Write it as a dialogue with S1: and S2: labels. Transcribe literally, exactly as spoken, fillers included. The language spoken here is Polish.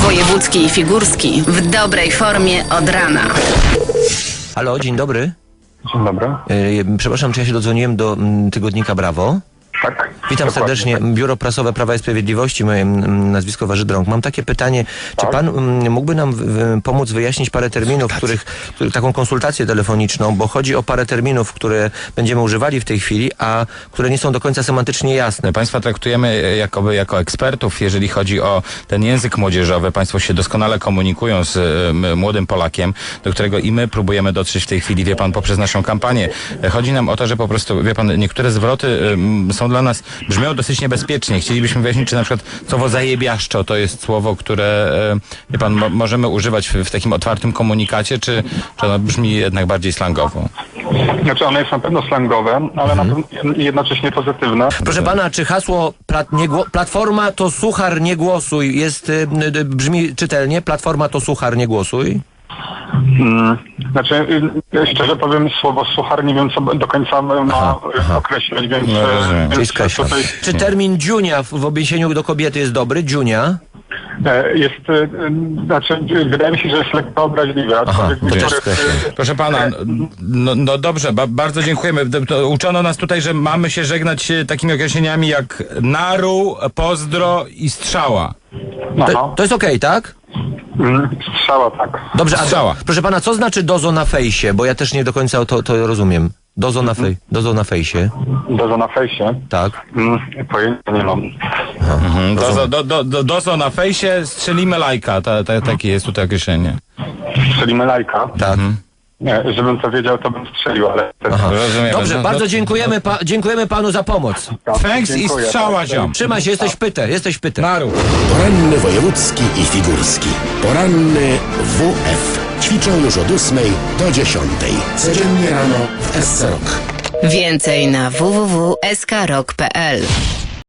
S1: Wojewódzki i Figurski w dobrej formie od rana.
S2: Halo, dzień dobry.
S3: Dzień dobry.
S2: Yy, przepraszam, czy ja się dodzwoniłem do mm, tygodnika Brawo?
S3: Tak.
S2: Witam
S3: dokładnie.
S2: serdecznie. Biuro Prasowe Prawa i Sprawiedliwości, moje mm, nazwisko Waży-Drąg. Mam takie pytanie, czy
S3: Tak.
S2: pan mm, mógłby nam w, w, pomóc wyjaśnić parę terminów, których, których, taką konsultację telefoniczną, bo chodzi o parę terminów, które będziemy używali w tej chwili, a które nie są do końca semantycznie jasne.
S4: Państwa traktujemy jakoby jako ekspertów, jeżeli chodzi o ten język młodzieżowy. Państwo się doskonale komunikują z y, młodym Polakiem, do którego i my próbujemy dotrzeć w tej chwili, wie pan, poprzez naszą kampanię. Chodzi nam o to, że po prostu, wie pan, niektóre zwroty y, są dla nas, brzmią dosyć niebezpiecznie. Chcielibyśmy wyjaśnić, czy na przykład słowo zajebiaszczo to jest słowo, które, y, wie pan, mo możemy używać w, w takim otwartym komunikacie, czy, czy ono brzmi jednak bardziej slangowo?
S3: Znaczy ono jest na pewno slangowe, ale na pewno jednocześnie pozytywne.
S2: Proszę pana, czy hasło plat, nie gło, Platforma to suchar, nie głosuj jest, y, y, brzmi czytelnie? Platforma to suchar, nie głosuj?
S3: Hmm. Znaczy, y, szczerze powiem, słowo suchar nie wiem, co do końca ma
S2: Aha, aha.
S3: określać, więc...
S4: No, rozumiem.
S3: więc
S2: Czyli skreślam.
S3: tutaj,
S2: Czy termin dziunia w, w odniesieniu do kobiety jest dobry? Dziunia?
S3: e, jest, y, znaczy, wydaje mi się, że jest lekko obraźliwe. aczkolwiek
S2: to
S3: być
S2: też
S3: może-
S2: skreślam.
S4: Proszę pana, no, no dobrze, ba bardzo dziękujemy. D- to Uczono nas tutaj, że mamy się żegnać e, takimi określeniami jak naru, pozdro i strzała.
S3: Aha.
S2: To, to jest okej, tak?
S3: Mm, Strzała, tak.
S2: Dobrze, a
S4: Strzała.
S2: proszę pana, co znaczy dozo na fejsie? Bo ja też nie do końca to, to rozumiem. Dozo na, fej, dozo na fejsie,
S3: Dozo na fejsie.
S2: tak.
S3: Mm, Pojęcia nie mam.
S4: Mhm. Dozo, do, do, do, dozo na fejsie, strzelimy lajka. Ta, ta, takie jest tutaj określenie.
S3: Strzelimy lajka.
S2: Tak.
S3: Nie, żebym to wiedział, to bym strzelił, ale...
S2: Aha.
S4: Rozumiem.
S2: Dobrze,
S4: No,
S2: bardzo
S4: no,
S2: dziękujemy, pa, dziękujemy panu za pomoc.
S4: Thanks i
S3: Dziękuję.
S4: strzała, ziom.
S2: Trzymaj się, jesteś pyte, jesteś pyte.
S4: Naru.
S5: Poranny wojewódzki i figurski. Poranny W F. Ćwiczą już od ósmej do dziesiątej. Codziennie rano w S C Rock.
S1: Więcej na w w w kropka s k rock kropka p l.